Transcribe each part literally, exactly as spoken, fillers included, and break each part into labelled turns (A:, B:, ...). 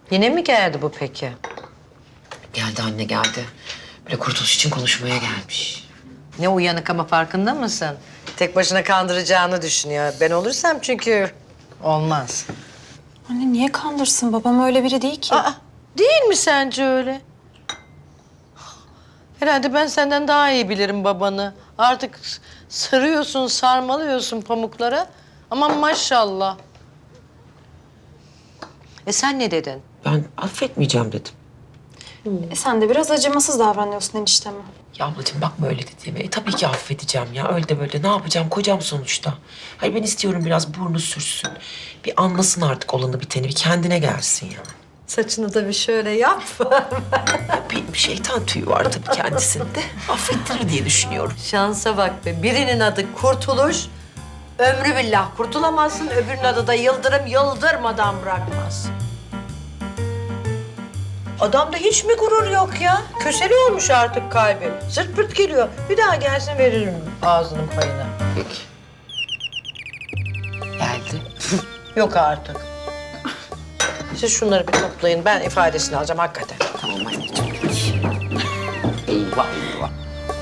A: Yine mi geldi bu peki?
B: Geldi anne geldi. Böyle kurtuluş için konuşmaya gelmiş.
A: Ne uyanık ama farkında mısın? Tek başına kandıracağını düşünüyor. Ben olursam çünkü olmaz.
C: Anne niye kandırsın? Babam öyle biri değil ki.
A: Aa, değil mi sence öyle? Herhalde ben senden daha iyi bilirim babanı. Artık sarıyorsun, sarmalıyorsun pamuklara. Aman maşallah. E sen ne dedin?
B: Ben affetmeyeceğim dedim.
C: E, sen de biraz acımasız davranıyorsun enişteme.
B: Ya ablacığım bakma öyle dediğime. E, tabii ki affedeceğim ya. Öyle de böyle. Ne yapacağım? Kocam sonuçta. Hayır ben istiyorum biraz burnu sürsün. Bir anlasın artık olanı biteni. Bir kendine gelsin yani.
A: Saçını da bir şöyle yap.
B: Bir şeytan tüyü var tabii kendisinde. Affettirir diye düşünüyorum.
A: Şansa bak be. Birinin adı Kurtuluş. Ömrü billah kurtulamazsın. Öbürünün adı da Yıldırım. Yıldırmadan bırakmaz. Adamda hiç mi gurur yok ya? Köseli olmuş artık kalbi. Sırt pırt geliyor. Bir daha gelsin veririm ağzının payını.
B: Peki. Geldi.
A: Yok artık. Siz şunları bir toplayın. Ben ifadesini alacağım hakikaten.
B: Tamam anneciğim. Eyvah eyvah.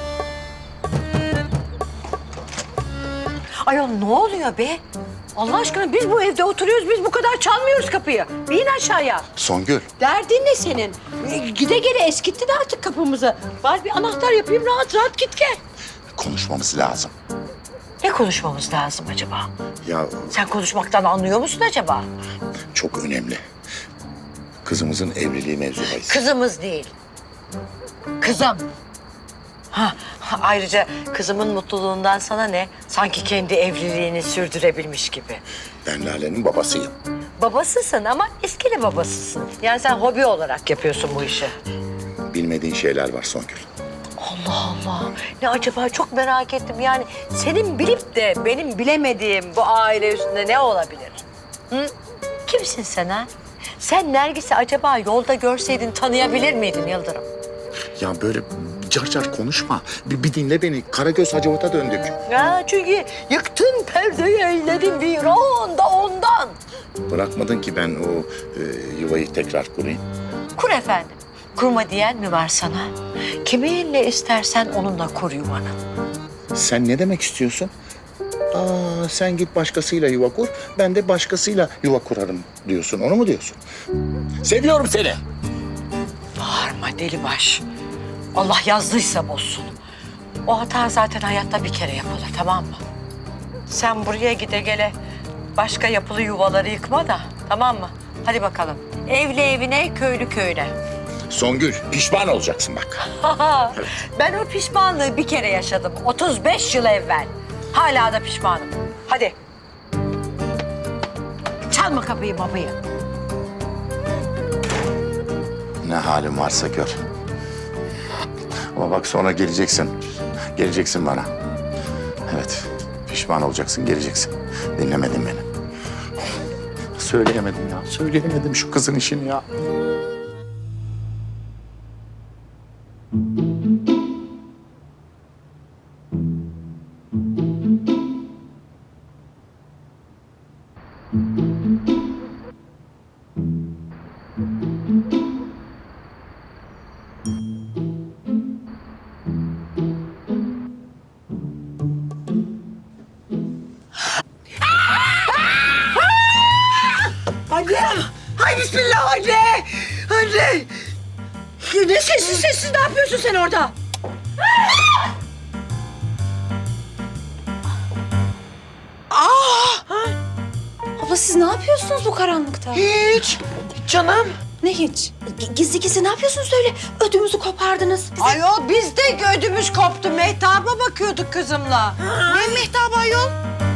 A: Ayol ne oluyor be? Allah aşkına biz bu evde oturuyoruz. Biz bu kadar çalmıyoruz kapıyı. Bir in aşağıya.
D: Songül,
A: Derdin ne senin? Ee, Gide gele eskitti de artık kapımızı. Bari bir anahtar yapayım rahat rahat git gel.
D: konuşmamız lazım.
A: Ne konuşmamız lazım acaba?
D: Ya
A: Sen konuşmaktan anlıyor musun acaba?
D: çok önemli. Kızımızın evliliği mevzu bahis.
A: Kızımız değil. Kızım. Ha, ha, ayrıca kızımın mutluluğundan sana ne? Sanki kendi evliliğini sürdürebilmiş gibi.
D: Ben Lale'nin babasıyım.
A: Babasısın ama eskili babasısın. Yani sen hobi olarak yapıyorsun bu işi.
D: Bilmediğin şeyler var Songül.
A: Allah Allah. Ne acaba çok merak ettim. Yani senin bilip de benim bilemediğim bu aile üstünde ne olabilir? Hı? Kimsin sen ha? Sen Nergis'i acaba yolda görseydin tanıyabilir miydin Yıldırım?
D: Ya böyle car car konuşma. Bir, bir dinle beni. Karagöz Hacavat'a döndük.
A: Ya çünkü yıktın perdeyi eyledin viran da ondan.
D: Bırakmadın ki ben o e, yuvayı tekrar kurayım.
A: Kur efendim. Kurma diyen mi var sana? Kiminle istersen onunla kur yuvanı.
D: Sen ne demek istiyorsun? Aa, sen git başkasıyla yuva kur, ben de başkasıyla yuva kurarım diyorsun. Onu mu diyorsun? Seviyorum seni.
A: Bağırma deli baş. Allah yazdıysa bozsun. O hata zaten hayatta bir kere yapılır, tamam mı? Sen buraya gide gele başka yapılı yuvaları yıkma da, tamam mı? Hadi bakalım. Evli evine, köylü köyüne.
D: Songül, pişman olacaksın bak.
A: Ben o pişmanlığı bir kere yaşadım. otuz beş yıl evvel. Hala da pişmanım. Hadi. Çalma kapıyı babayı.
D: Ne halin varsa gör. Ama bak sonra geleceksin. Geleceksin bana. Evet, pişman olacaksın, geleceksin. Dinlemedin beni. Söyleyemedim ya, söyleyemedim şu kızın işini ya.
A: Anne! Hay bismillah anne! Anne! Ne sessiz sessiz ne yapıyorsun sen orada?
C: Abla siz ne yapıyorsunuz bu karanlıkta?
A: Hiç. Canım.
C: Ne hiç? G- Gizli gizli ne yapıyorsunuz öyle? Ödümüzü kopardınız. Bize...
A: Ayol biz de ödümüz koptu. Mehtaba bakıyorduk kızımla. Ne mehtabı ayol?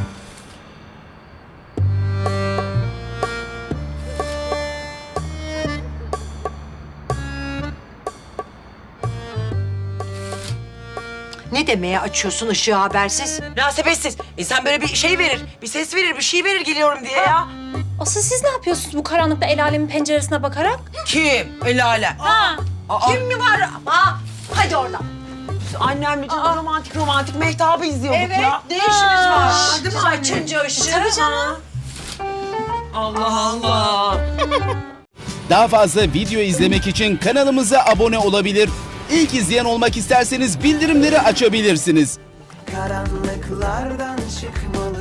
A: Ne demeye açıyorsun ışığı habersiz?
B: Münasebetsiz. İnsan böyle bir şey verir, bir ses verir, bir şey verir geliyorum diye ya.
C: Asıl siz ne yapıyorsunuz bu karanlıkta el alemin penceresine bakarak?
B: Kim? El alem.
C: Ha.
B: Kim mi var?
A: Aa, hadi oradan.
B: Annemle canım romantik romantik mehtabı izliyorduk
A: Evet,
B: ya.
A: ne işimiz var?
B: Değil mi
A: Biz
B: anne?
A: açınca ışığı.
C: Tabii canım.
B: Allah Allah.
E: Daha fazla video izlemek için kanalımıza abone olabilir. İlk izleyen olmak isterseniz bildirimleri açabilirsiniz.
F: Karanlıklardan çıkmalı.